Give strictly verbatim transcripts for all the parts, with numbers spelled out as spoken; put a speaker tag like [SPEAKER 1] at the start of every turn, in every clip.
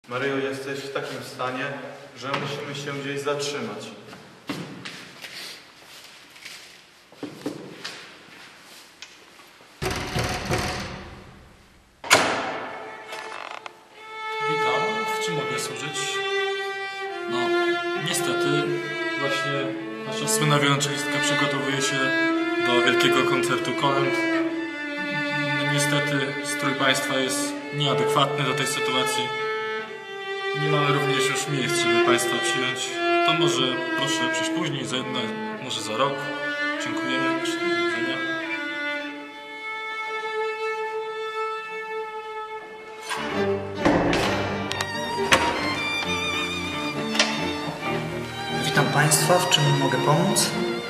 [SPEAKER 1] Maryjo, jesteś w takim stanie, że musimy się gdzieś zatrzymać.
[SPEAKER 2] Witam, w czym mogę służyć? No, niestety, właśnie nasza słynna wiolonczelistka przygotowuje się do wielkiego koncertu kolęd. No, niestety, strój państwa jest nieadekwatny do tej sytuacji. Nie mamy również już miejsc, żeby państwa przyjąć. To może proszę przyjść później, za jedno, może za rok. Dziękujemy. Do widzenia.
[SPEAKER 3] Witam Państwa, w czym mogę pomóc?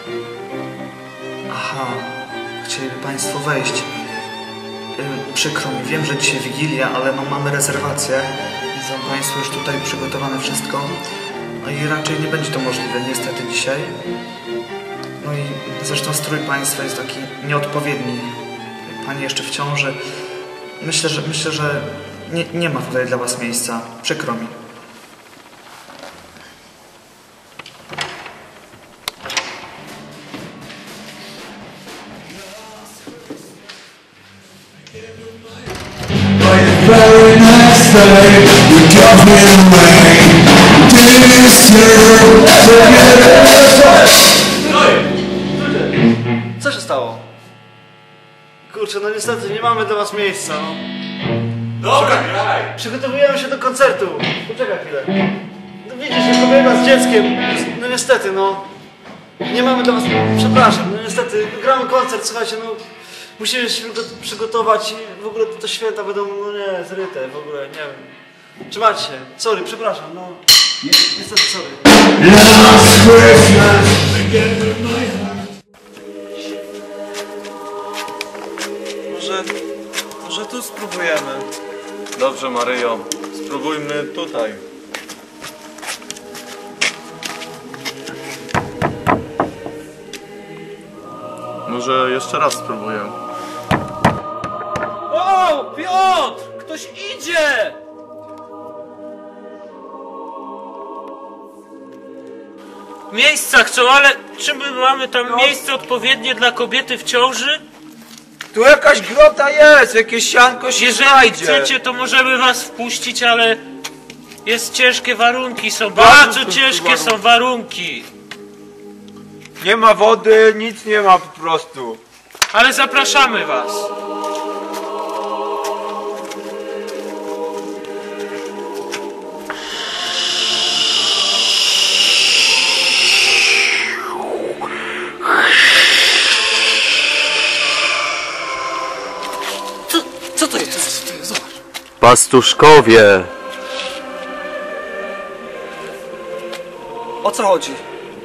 [SPEAKER 3] Aha, chcieliby Państwo wejść. Yy, przykro mi, wiem, że dzisiaj Wigilia, ale no mamy rezerwację. Widzą Państwo już tutaj przygotowane wszystko. No i raczej nie będzie to możliwe niestety dzisiaj. No i zresztą strój Państwa jest taki nieodpowiedni. Pani jeszcze w ciąży. Myślę, że, myślę, że nie, nie ma tutaj dla Was miejsca. Przykro mi.
[SPEAKER 4] Very next day, we got me rain. This year,
[SPEAKER 5] Co się stało? Kurczę, no niestety nie mamy dla was miejsca. No.
[SPEAKER 1] Dobra, graj!
[SPEAKER 5] Przygotowujemy się do koncertu. Poczekaj chwilę. No widzisz, jak kobieta z dzieckiem. No niestety, no. Nie mamy dla was... Przepraszam, no niestety. Gramy koncert, słuchajcie, no. Musimy się przygotować i w ogóle te święta będą, no nie, zryte, w ogóle, nie wiem. Trzymajcie się. Sorry, przepraszam, no. Niestety, sorry.
[SPEAKER 4] last Christmas,
[SPEAKER 1] Może... może tu spróbujemy. Dobrze, Maryjo. Spróbujmy tutaj. Może jeszcze raz spróbuję.
[SPEAKER 6] O, Piotr! Ktoś idzie! Miejsca chcą, ale czy my mamy tam miejsce odpowiednie dla kobiety w ciąży?
[SPEAKER 7] Tu jakaś grota jest, jakieś sianko się
[SPEAKER 6] Jeżeli
[SPEAKER 7] znajdzie.
[SPEAKER 6] chcecie, to możemy was wpuścić, ale jest ciężkie warunki, są bardzo ciężkie są warunki.
[SPEAKER 7] Nie ma wody, nic nie ma po prostu.
[SPEAKER 6] Ale zapraszamy was.
[SPEAKER 5] Co, co to jest?
[SPEAKER 8] Pastuszkowie!
[SPEAKER 5] O co chodzi?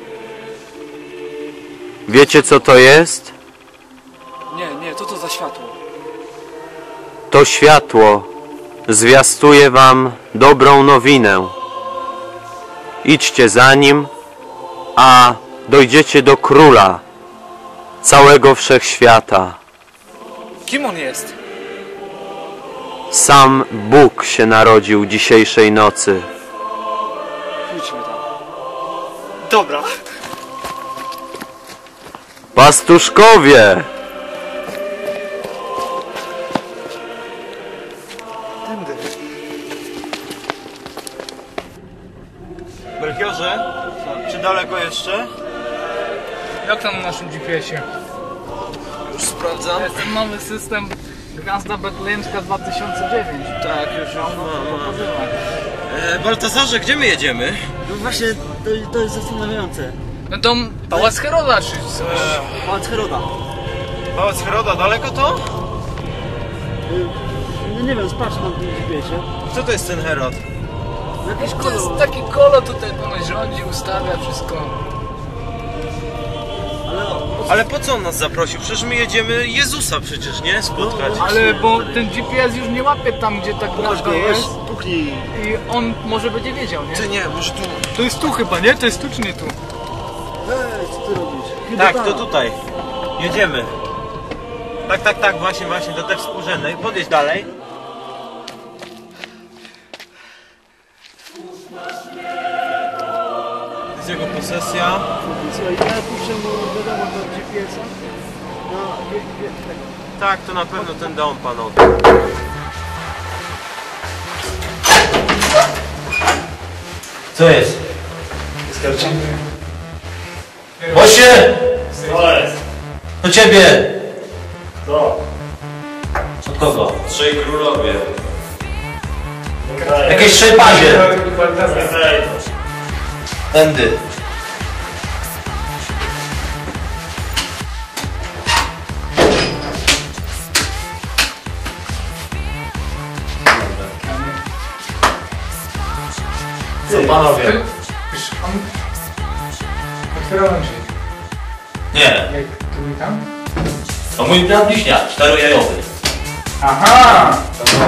[SPEAKER 8] Wiecie, co to jest?
[SPEAKER 5] Nie, nie, co to za światło?
[SPEAKER 8] To światło zwiastuje wam dobrą nowinę. Idźcie za nim, a dojdziecie do Króla całego wszechświata.
[SPEAKER 5] Kim on jest?
[SPEAKER 8] Sam Bóg się narodził dzisiejszej nocy.
[SPEAKER 5] Pójdźmy tam. Dobra.
[SPEAKER 8] Pastuszkowie!
[SPEAKER 5] Tędy.
[SPEAKER 7] Melchiorze, czy daleko jeszcze?
[SPEAKER 9] Jak tam na naszym G P S-ie?
[SPEAKER 7] Już sprawdzam.
[SPEAKER 9] Jest ten nowy system Gwiazda Betlejemska dwa tysiące dziewięć.
[SPEAKER 7] Tak, już, już mam.
[SPEAKER 9] Pokazywać.
[SPEAKER 7] E, Baltazarze, gdzie my jedziemy?
[SPEAKER 5] No właśnie, to, to jest zastanawiające.
[SPEAKER 9] No to Pałac Heroda czy coś.
[SPEAKER 5] Pałac Heroda.
[SPEAKER 7] Pałac Heroda, daleko to?
[SPEAKER 5] No nie wiem, sprawdź na tym G P S-ie.
[SPEAKER 7] Co to jest ten Herod?
[SPEAKER 5] Jakiś
[SPEAKER 9] To jest
[SPEAKER 5] kolor.
[SPEAKER 9] taki kolo tutaj ponoć rządzi, ustawia wszystko.
[SPEAKER 5] Ale o,
[SPEAKER 7] Ale po co on nas zaprosił? Przecież my jedziemy Jezusa przecież, nie? Spotkać.
[SPEAKER 9] Ale bo ten G P S już nie łapie tam, gdzie tak
[SPEAKER 5] pokaż
[SPEAKER 9] nazwa
[SPEAKER 5] go,
[SPEAKER 9] jest.
[SPEAKER 5] weź, puknij.
[SPEAKER 9] I on może będzie wiedział, nie?
[SPEAKER 7] Ty nie, może tu.
[SPEAKER 9] To jest tu chyba, nie? To jest tu czy nie tu?
[SPEAKER 5] Ej, co ty robisz? Chyba
[SPEAKER 7] Tak,
[SPEAKER 5] tam.
[SPEAKER 7] to tutaj. Jedziemy. Tak, tak, tak, właśnie, właśnie, do tej współrzędnej. Podjedź dalej. To jest jego posesja.
[SPEAKER 5] Słuchaj, ja piszę mu wiadomo do G P S-a. No, wie, wie, tak.
[SPEAKER 7] Tak, to na pewno ten dom, panowie.
[SPEAKER 10] Co jest?
[SPEAKER 5] Wystarczy.
[SPEAKER 10] Bosie!
[SPEAKER 6] Co jest?
[SPEAKER 10] Do ciebie!
[SPEAKER 6] Co?
[SPEAKER 10] Od kogo?
[SPEAKER 7] Trzej królowie.
[SPEAKER 10] Jakieś szejpazie!
[SPEAKER 6] Okej.
[SPEAKER 10] Tędy. Co panowie?
[SPEAKER 9] Już on... Otwierał nam drzwi.
[SPEAKER 10] Nie.
[SPEAKER 9] Jak tu i tam?
[SPEAKER 10] To mój brat bliźniak, czterojajowy.
[SPEAKER 9] Aha!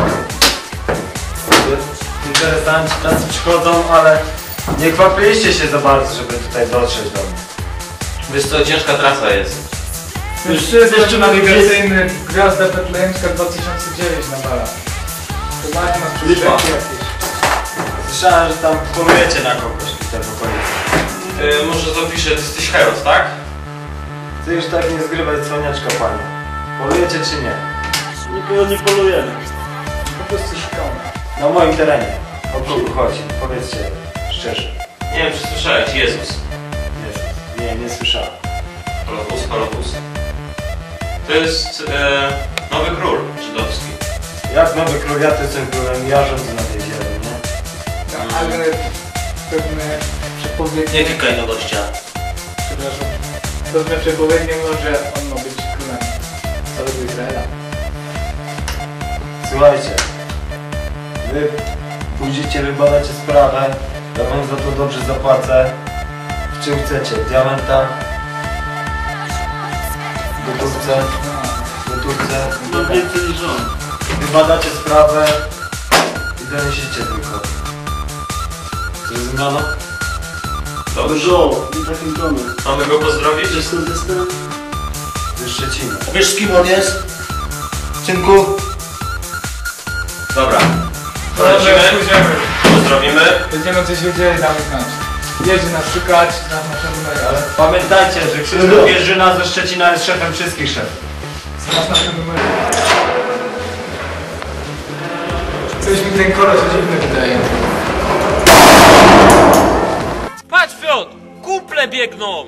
[SPEAKER 11] Interesanci tacy przychodzą, ale nie kwapiliście się za bardzo, żeby tutaj dotrzeć do mnie.
[SPEAKER 10] Wiesz co, ciężka trasa jest.
[SPEAKER 9] Już jeszcze nawigacyjny Gwiazda Betlejemska dwa tysiące dziewięć na balach. Prowadzi nas przez rzeki jakieś.
[SPEAKER 11] Słyszałem, że tam polujecie na kogoś w tej okolicy.
[SPEAKER 7] Yy, może zapiszę, ty jesteś Heros, tak?
[SPEAKER 11] Ty już tak nie zgrywaj cwaniaczka, panie. Polujecie czy nie?
[SPEAKER 5] Nikogo nie polujemy.
[SPEAKER 9] Po prostu szukamy.
[SPEAKER 11] Na moim terenie. O kogo chodzi? Powiedzcie szczerze.
[SPEAKER 7] Nie wiem, czy słyszałeś, Jezus.
[SPEAKER 11] Jezus. Nie, nie słyszałem.
[SPEAKER 7] Holopus, Holopus. To jest e, nowy król żydowski.
[SPEAKER 11] Jak nowy król, ja to jestem królem, ja rządzę na tej ziemi, nie?
[SPEAKER 9] No, ale pewne przepowiednie...
[SPEAKER 10] Nie klikaj na gościa.
[SPEAKER 9] Przepraszam. Pewne przepowiednie mówią, że on ma być królem całego Izraela.
[SPEAKER 11] Słuchajcie. Wy pójdziecie, wybadacie sprawę. Ja wam za to dobrze zapłacę. W czym chcecie? W diamentach? W gotówce? W gotówce?
[SPEAKER 5] Mam więcej niż on.
[SPEAKER 11] Wybadacie sprawę i donesiecie tylko. Zrozumiano?
[SPEAKER 7] Dobrze.
[SPEAKER 5] Dużo, nie takim tonem.
[SPEAKER 7] Mamy go pozdrowić?
[SPEAKER 5] Wiesz skąd jestem?
[SPEAKER 11] Ze Szczecina.
[SPEAKER 10] Wiesz z kim on jest? Synku?
[SPEAKER 7] Dobra.
[SPEAKER 9] Dobra,
[SPEAKER 7] Lecimy.
[SPEAKER 9] pójdziemy.
[SPEAKER 7] Pozdrowimy.
[SPEAKER 9] Będziemy coś wiedzieli, damy znać. Jedzie nas szukać, znasz nasze numery, ale
[SPEAKER 11] Pamiętajcie, że Krzysztof Jerzyna ze Szczecina jest szefem wszystkich szefów.
[SPEAKER 9] znasz nasze numery. Coś mi ten koleś dziwny wydaje.
[SPEAKER 6] Patrz, Piotr! Kumple biegną!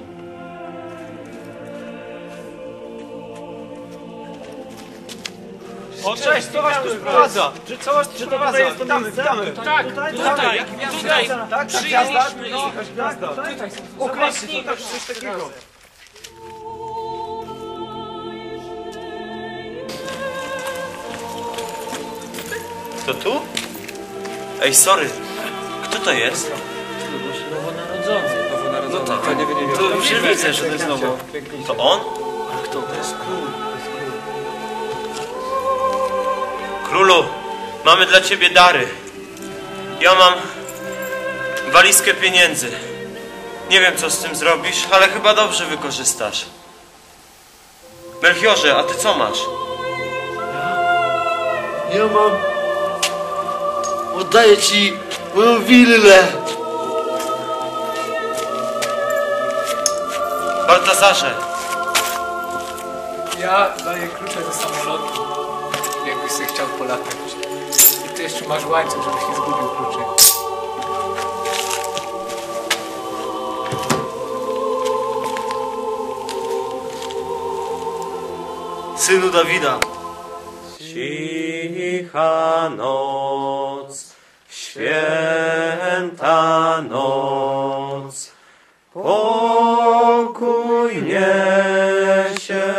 [SPEAKER 7] O, cześć, co was tu sprowadza? Że co was tu sprowadza? Witamy, witamy.
[SPEAKER 6] Tak, tutaj, tutaj,
[SPEAKER 7] Tak,
[SPEAKER 6] przyjęliśmy ich.
[SPEAKER 7] Określnika czy coś takiego. Kto tu? Ej, sorry. Kto to jest?
[SPEAKER 6] Nowonarodzony.
[SPEAKER 7] No tak, to nie wiem. To już widzę, że to jest nowo. To on? Kto to jest król? Królu, mamy dla ciebie dary. Ja mam walizkę pieniędzy. Nie wiem, co z tym zrobisz, ale chyba dobrze wykorzystasz. Melchiorze, a ty co masz?
[SPEAKER 5] Ja mam... Oddaję ci moją willę.
[SPEAKER 7] Baltazarze,
[SPEAKER 9] Ja daję klucze do samolotu, jakbyś sobie chciał polatać. I ty jeszcze masz łańcuch, żebyś nie zgubił kluczy.
[SPEAKER 5] Synu Dawida.
[SPEAKER 8] Cicha noc, święta noc, pokój niesie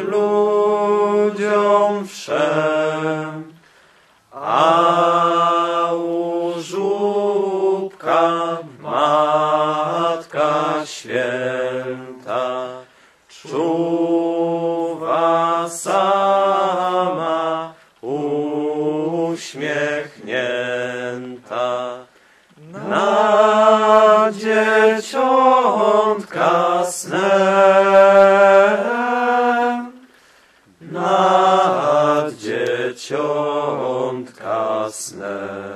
[SPEAKER 8] ludziom wszem, a u żłóbka Matka Święta czuwa sama uśmiechnięta nad dzieciątka snem, nad dzieciątka snem.